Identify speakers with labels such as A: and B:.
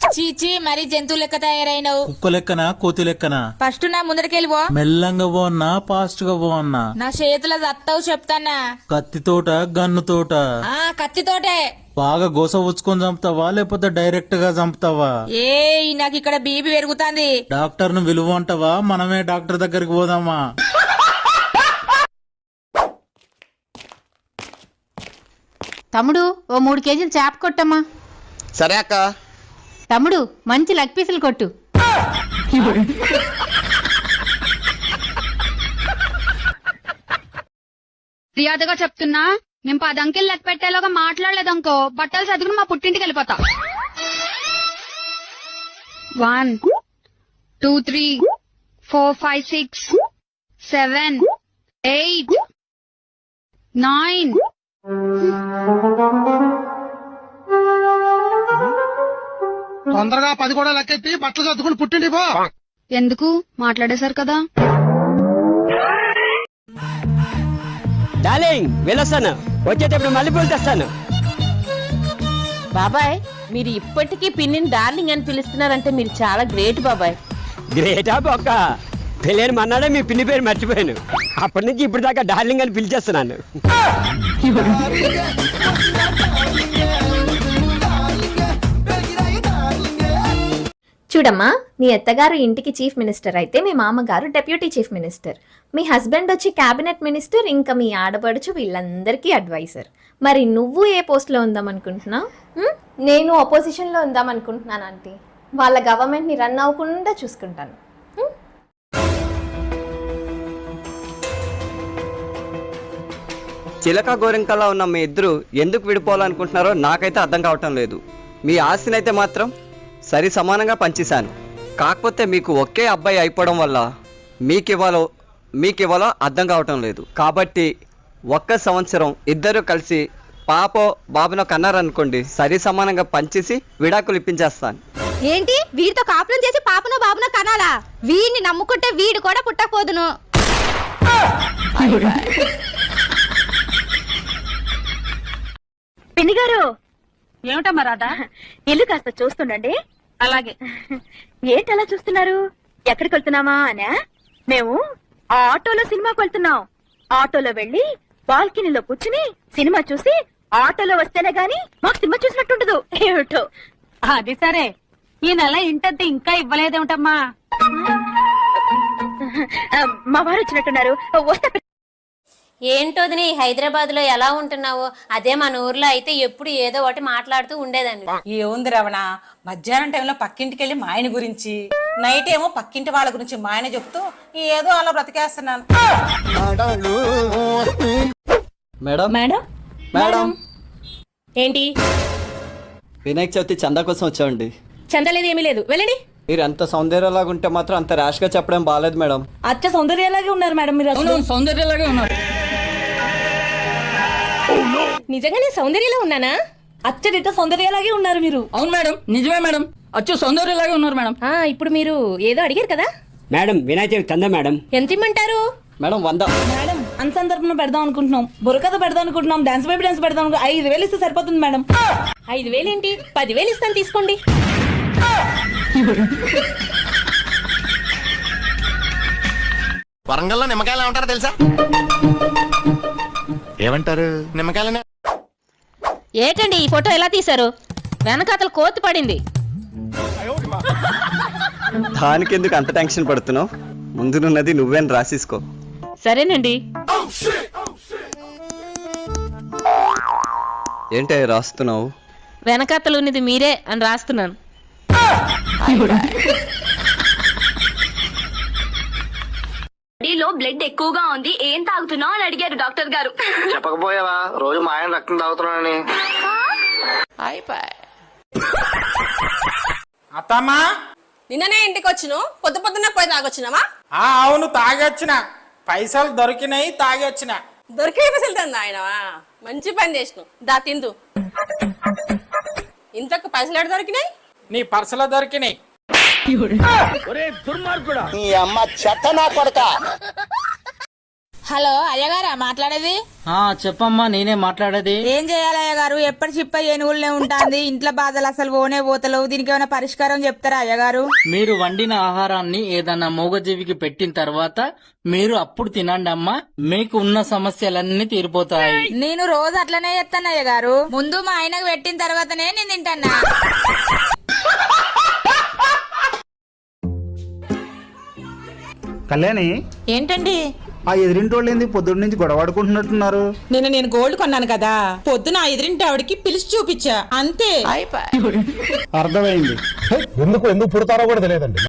A: చీచి మరి జంతువు లెక్క తయారైనవు.
B: కుక్క లెక్కనా కోతి లెక్కనా?
A: ఫస్ట్ నా ముందరికెళ్ళిపో.
B: మెల్లంగా పోన్నా ఫాస్ట్ గా పోన్నా?
A: నా చేతుల దత్తవు చెప్తానా.
B: కత్తితోట గన్నుతోట?
A: కత్తితోటే.
B: బాగా గోస ఉచ్చుకొని చంపుతావా లేకపోతే డైరెక్ట్ గా చంపుతావా?
A: నాకు ఇక్కడ బీపీ పెరుగుతాంది.
B: డాక్టర్ ను విలువ అంటావా? మనమే డాక్టర్ దగ్గరికి పోదామా?
C: తమ్ముడు ఓ 3 కేజీలు చేప కొట్టమ్మా.
D: సరే అక్క.
C: తమ్ముడు మంచి లెగ్ పీసులు కొట్టు.
E: ఫిర్యాదుగా చెప్తున్నా, మేము 10 అంకెలు లెక్క పెట్టేలాగా మాట్లాడలేదనుకో బట్టలు చదువుకుని మా పుట్టింటికి వెళ్ళిపోతా. 1 2 3 4 5 6 7 8 9.
F: తొందరగా 10 కూడా లెక్కెత్తి బట్టలు చదువుకుని పుట్టిండి పో.
E: ఎందుకు మాట్లాడేశారు కదా.
G: డార్లింగ్ వెళ్ళొస్తాను, వచ్చేటప్పుడు మల్లెపూలు తెస్తాను.
C: బాబాయ్ మీరు ఇప్పటికీ పిన్నిని డార్లింగ్ అని పిలుస్తున్నారంటే మీరు చాలా గ్రేట్ బాబాయ్.
G: గ్రేటా బొక్క, పెళ్ళైన మన్నాడే మీ పిన్ని పేరు మర్చిపోయాను. అప్పటి నుంచి ఇప్పుడు దాకా డార్లింగ్ అని పిలిచేస్తున్నాను.
H: చూడమ్మా, మీ అత్తగారు ఇంటికి చీఫ్ మినిస్టర్ అయితే మీ మామగారు డెప్యూటీ చీఫ్ మినిస్టర్, మీ హస్బెండ్ వచ్చి క్యాబినెట్ మినిస్టర్, ఇంకా మీ ఆడపడుచు వీళ్ళందరికీ అడ్వైజర్. మరి నువ్వు ఏ పోస్ట్లో ఉందామనుకుంటున్నావు? నేను అపోజిషన్లో ఉందామనుకుంటున్నాను ఆంటీ. వాళ్ళ గవర్నమెంట్ని రన్ అవ్వకుండా చూసుకుంటాను.
D: చిలక గోరింకలా ఉన్న మీ ఇద్దరు ఎందుకు విడిపోవాలనుకుంటున్నారో నాకైతే అర్థం కావటం లేదు. మీ ఆస్తినైతే మాత్రం సరి సమానంగా పంచేశాను. కాకపోతే మీకు ఒకే అబ్బాయి అయిపోవడం వల్ల మీకివ్వాలో అర్థం కావటం లేదు. కాబట్టి 1 సంవత్సరం ఇద్దరు కలిసి పాపో బాబునో కన్నారనుకోండి, సరి సమానంగా పంచేసి విడాకులు ఇప్పించేస్తాను.
E: ఏంటి వీడితో కాపురం చేసి పాపనో బాబునో కనాలా? వీడిని నమ్ముకుంటే వీడు కూడా పుట్టకపోదును.
I: పిన్ని గారు,
E: ఏమిటమ్మా రాధా?
I: ఇల్లు కాస్త చూస్తుండండి.
E: అలాగే.
I: ఏంటి అలా చూస్తున్నారు? ఎక్కడికి వెళ్తున్నామా అనా? మేము ఆటోలో సినిమాకి వెళ్తున్నాం. ఆటోలో వెళ్లి బాల్కనీలో కూర్చుని సినిమా చూసి ఆటోలో వస్తేనే గాని మాకు సినిమా చూసినట్టుండదు. ఏమిటో.
E: అది సరే, ఈ నెల ఇంటద్ది ఇంకా ఇవ్వలేదేమిటమ్మా?
I: మా వారు వచ్చినట్టున్నారు, వస్తే.
C: ఏంటోదిని హైదరాబాద్ లో ఎలా ఉంటున్నావో అదే మన ఊర్లో అయితే ఎప్పుడు ఏదో ఒకటి మాట్లాడుతూ ఉండేదాన్ని.
A: ఏముంది రవణ, మధ్యాహ్నం టైంలో పక్కింటికి వెళ్ళి మా ఆయన గురించి, నైట్ ఏమో పక్కింటి వాళ్ళ గురించి మా ఆయన చెప్తూ ఏదో అలా బ్రతికేస్తున్నాను.
D: మేడం
A: మేడం
D: మేడం
A: ఏంటి?
D: వినాయక చవితి చందా కోసం వచ్చామండి.
A: చందలేదు, ఏమీ లేదు, వెళ్ళండి.
D: మీరు ఎంత సౌందర్యలాగా ఉంటే మాత్రం అంత ర్యాష్ గా చెప్పడం బాలేదు మేడం.
A: అచ్చ సౌందర్యలాగే ఉన్నారు మేడం మీరు.
G: సౌందర్యలాగే ఉన్నారు.
A: నిజంగానే సౌందర్యలా ఉన్నానా? అచ్చడితో సౌందర్యలాగే ఉన్నారు మీరు.
G: అవును మేడం, నిజమే మేడం, అచ్చు సౌందర్యలాగే ఉన్నారు మేడం.
A: ఇప్పుడు మీరు ఏదో అడిగారు కదా
G: మేడం, వినాయక చవితి చందా మేడం
A: ఎంత ఇమ్మంటారు?
D: మేడం 100.
A: మేడం అన్సందర్భం పెడదాం అనుకుంటున్నాం, బుర్రకథ పెడదాం అనుకుంటున్నాం, డాన్స్ బేబీ డాన్స్ పెడదాం 5,000 ఇస్తే సరిపోతుంది మేడం. 5,000 ఏంటి, 10,000 ఇస్తాను, తీసుకోండి.
F: వరంగల్లో నిమ్మకాయలు ఏమంటారో తెలుసా? ఏమంటారు? నిమ్మకాయలనే.
C: ఏంటండి ఈ ఫోటో ఎలా తీశారు? వెనకాతల కోతి పడింది.
D: దానికి ఎందుకు అంత టెన్షన్ పడుతున్నావు? ముందునున్నది నువ్వేని రాసేసుకో.
C: సరేనండి.
D: ఏంటి రాస్తున్నావు?
C: వెనకాతలు ఉన్నది మీరే అని రాస్తున్నాను.
I: బాడీలో బ్లడ్ ఎక్కువగా ఉంది, ఏం తాగుతున్నావు అని అడిగారు డాక్టర్ గారు.
F: చెప్పకపోయావా రోజు మా ఆయన రక్తం తాగుతున్నానని?
A: అత్తమ్మా,
J: నిన్ననే ఇంటికి వచ్చును, పొద్దున్నే పోయి తాగొచ్చినావా?
A: అవును, తాగొచ్చిన. పైసలు దొరికినాయి, తాగొచ్చిన.
J: దొరికే పైసలు తందా ఆయనవా? మంచి పని చేసినావు, దా తిందు. ఇంతకు పైసలు ఎక్కడ దొరికినాయి?
A: నీ పర్సులో దొరికినాయి.
F: నీ అమ్మ చెత్త నా కొడక.
A: హలో అయ్యగారా మాట్లాడేది?
B: చెప్పమ్మా, నేనే మాట్లాడేది.
A: ఏం చేయాలి అయ్యగారు? ఎప్పటి చిప్ప ఏనుగులనే ఉంటుంది, ఇంట్లో బాధలు అసలు పోనే పోతలేవు. దీనికి ఏమైనా పరిష్కారం చెప్తారా అయ్యగారు?
B: మీరు వండిన ఆహారాన్ని ఏదన్నా మూగజీవికి పెట్టిన తర్వాత మీరు అప్పుడు తినండి అమ్మా, మీకు ఉన్న సమస్యలన్నీ తీరిపోతాయి.
A: నేను రోజు అట్లనే చేస్తాను అయ్యగారు. ముందు మా ఆయనకు పెట్టిన తర్వాతనే నేను తింటానా.
K: కళ్యాణి,
A: ఏంటండి?
K: ఆ ఎదిరింటోళ్ళు ఏంది పొద్దున్న నుంచి గొడవాడుకుంటున్నట్టున్నారు?
A: నేను గోల్డ్ కొన్నాను కదా, పొద్దున ఎదురింటి ఆవిడకి పిలిచి చూపించా అంతే.
K: అర్థమైంది.
F: ఎందుకు పుడతారో కూడా తెలియదండి.